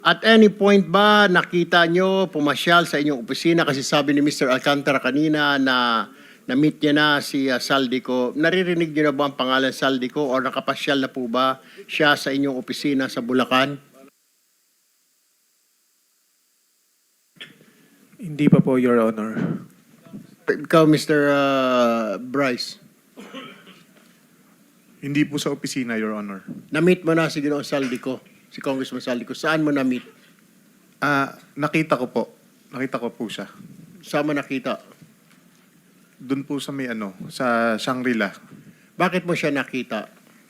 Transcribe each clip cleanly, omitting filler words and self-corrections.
At any point ba nakita nyo pumasyal sa inyong opisina kasi sabi ni Mr. Alcantara kanina na na-meet niya na si Saldico. Naririnig niyo na ba ang pangalan Saldico o nakapasyal na po ba siya sa inyong opisina sa Bulacan? Hindi pa po, Your Honor. Ikaw, Mr. Bryce, Hindi po sa opisina, Your Honor. na-meet mo na si Ginoong Saldico, si Congressman Saldico. Saan mo na-meet? Nakita ko po. Nakita ko po siya. Saan mo nakita? Doon po sa may sa Shangri-La. Bakit mo siya nakita?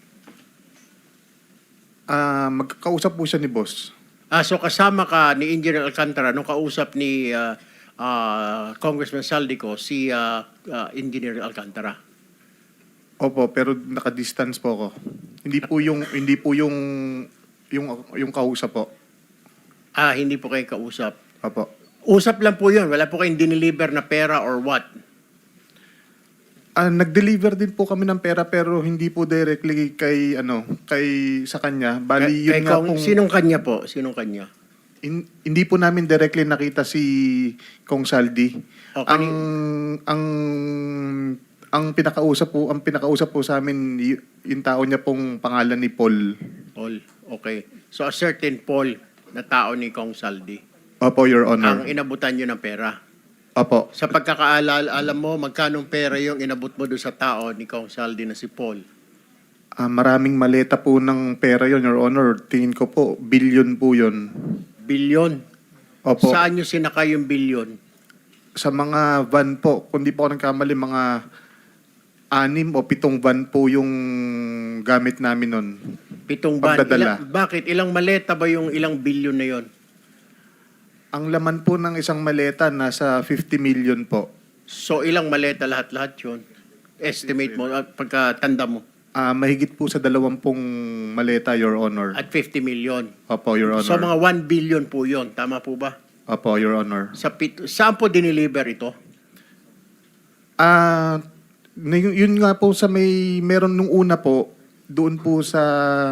Magkakausap po siya ni boss. So kasama ka ni Engineer Alcantara nung kausap ni Congressman Saldico si Engineer Alcantara. Opo, pero naka-distance po ako. Hindi po yung kausap po. Hindi po kayo kausap. Opo. Usap lang po yun. Wala po kayong dineliver na pera or what? Nag-deliver din po kami ng pera pero hindi po directly kay sa kanya. Bali yun nga pong Sinong kanya po? Sinong kanya? hindi po namin directly nakita si Kong Saldi. Okay. Ang pinakausap po sa amin yung tao niya pong pangalan ni Paul. Paul. Okay. So a certain Paul na tao ni Kong Saldi. Opo, Your Honor. Ang inabutan nyo ng pera. Opo. Sa pagkakaalala, alam mo magkanong pera yung inabot mo doon sa tao ni Kong Saldi na si Paul? Maraming maleta po ng pera yon, Your Honor. Tingin ko po, billion po yon. Bilyon. Opo. Saan nyo sinakay yung bilyon? Sa mga van po, kung di po ako nagkamali, mga 6 o 7 van po yung gamit namin nun. 7 van. Pagdadala. Bakit? Ilang maleta ba yung ilang bilyon na yon? Ang laman po ng isang maleta, nasa 50 million po. So ilang maleta lahat-lahat yun? Estimate mo, pagkatanda mo. Mahigit po sa 20 maleta, Your Honor. At 50 million. Opo, Your Honor. So mga 1 billion po yon. Tama po ba? Opo, Your Honor. Saan po dineliver ito? Yun nga po sa meron nung una po, doon po sa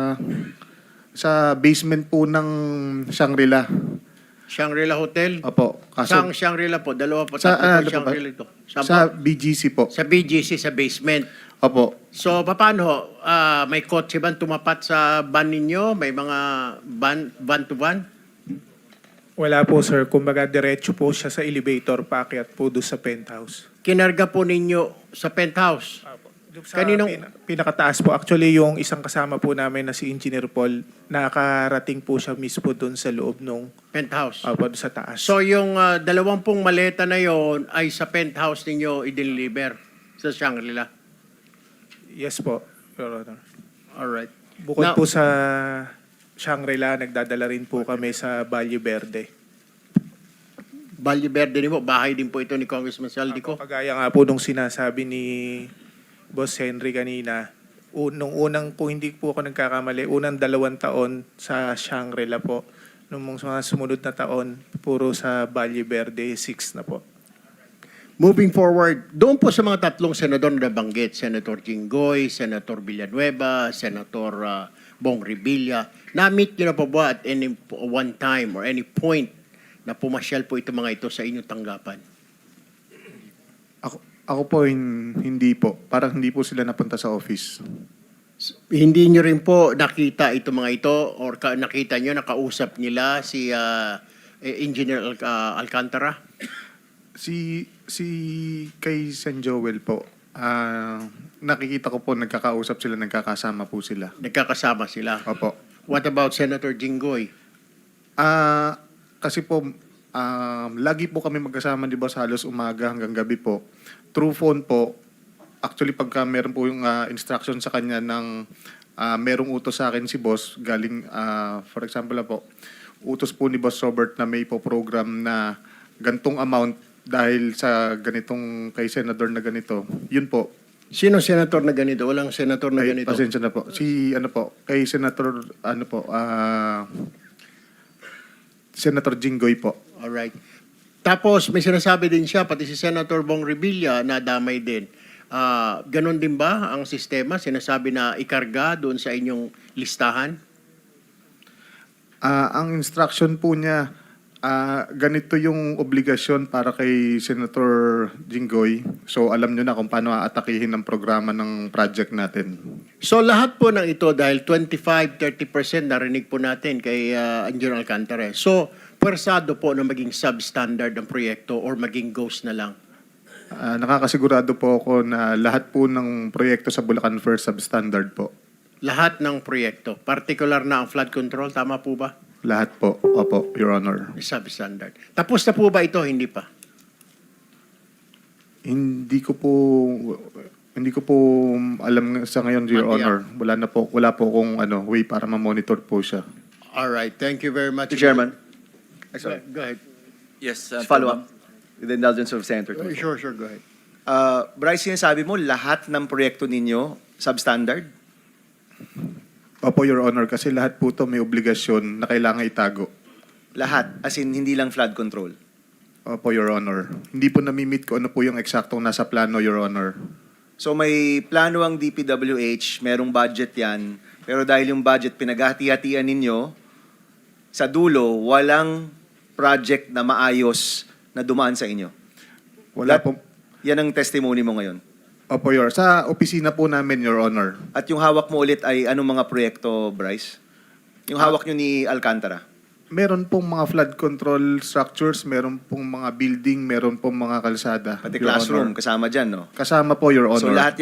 basement po ng Shangri-La. Shangri-La Hotel? Opo. Saan Shangri-La po? Dalawa po, Sa, tatlo po Shangri-La ito. Saan sa po? BGC po. Sa BGC, sa basement. Opo. So, paano ho? May kotse ba tumapat sa van ninyo? May mga van to van? Wala po, sir. Kumbaga, diretso po siya sa elevator, paakyat po doon sa penthouse. Kinarga po ninyo sa penthouse? Doon sa Kaninong- pinakataas po. Actually, yung isang kasama po namin na si Engineer Paul, nakarating po siya mismo doon sa loob nung Penthouse. doon sa taas. So, yung 20 maleta na yon ay sa penthouse ninyo i-deliver sa Shangri-La? Yes po, Your Honor. Alright. Bukod Now- po sa Shangri-La, nagdadala rin po kami sa Valle Verde. Valle Verde din po, bahay din po ito ni Congressman Saldico. Kagaya nga po nung sinasabi ni Boss Henry kanina, nung unang, kung hindi po ako nagkakamali, unang 2 taon sa Shangri-La po. Nung mga sumunod na taon, puro sa Valle Verde, 6 na po. Moving forward, doon po sa mga tatlong senador na nabanggit, Senator Jinggoy, Senator Villanueva, Senator Bong Revilla, na-meet nyo na po ba at any one time or any point na pumasyal po ito mga ito sa inyong tanggapan? Ako po hindi po. Parang hindi po sila napunta sa office. Hindi nyo rin po nakita ito mga ito or nakita nyo, nakausap nila si Engineer Alcantara? Si kay San Joel po, nakikita ko po nagkakausap sila, nagkakasama po sila. Nagkakasama sila. Opo. What about Senator Jinggoy? Kasi po, lagi po kami magkasama, di ba, sa halos umaga hanggang gabi po. Through phone po, actually pagka meron po yung instruction sa kanya ng merong utos sa akin si boss, galing, for example na po, utos po ni Boss Robert na may po program na gantong amount dahil sa ganitong kay senador na ganito. Yun po. Sino senator na ganito? Walang senator na Ay, ganito. pasensya na po. Kay Senator, Senator Jinggoy po. Alright. Tapos may sinasabi din siya, pati si Senator Bong Revilla na damay din. Ganon din ba ang sistema? Sinasabi na ikarga doon sa inyong listahan? Ang instruction po niya, ganito yung obligasyon para kay Senator Jinggoy. So alam nyo na kung paano aatakihin ang programa ng project natin. So lahat po ng ito dahil 25-30% narinig po natin kay Engineer Alcantara. So pwersado po na maging substandard ang proyekto or maging ghost na lang. Nakakasigurado po ako na lahat po ng proyekto sa Bulacan First substandard po. Lahat ng proyekto, particular na ang flood control, tama po ba? Lahat po. Opo, Your Honor. Substandard. Tapos na po ba ito? Hindi pa. Hindi ko po alam sa ngayon, Your Honor. Wala po akong way para ma-monitor po siya. All right. Thank you very much. Mr. Chairman, Go ahead. yes, follow up with the indulgence of Senator Tulfo. Sure. Go ahead. Bryce, sinasabi mo lahat ng proyekto ninyo substandard? Opo, Your Honor, kasi lahat po to may obligasyon na kailangan itago. Lahat, as in hindi lang flood control. Opo, Your Honor. Hindi po namimit ko ano po yung eksaktong nasa plano, Your Honor. So may plano ang DPWH, merong budget yan, pero dahil yung budget pinaghati-hatian ninyo, sa dulo, walang project na maayos na dumaan sa inyo. Wala po. Yan ang testimony mo ngayon. Opo, Your. Sa opisina po namin, Your Honor. At yung hawak mo ulit ay anong mga proyekto, Bryce? Yung hawak nyo ni Alcantara? Meron pong mga flood control structures, meron pong mga building, meron pong mga kalsada. Pati Your classroom, Honor. kasama dyan, no? Kasama po, Your Honor. So lahat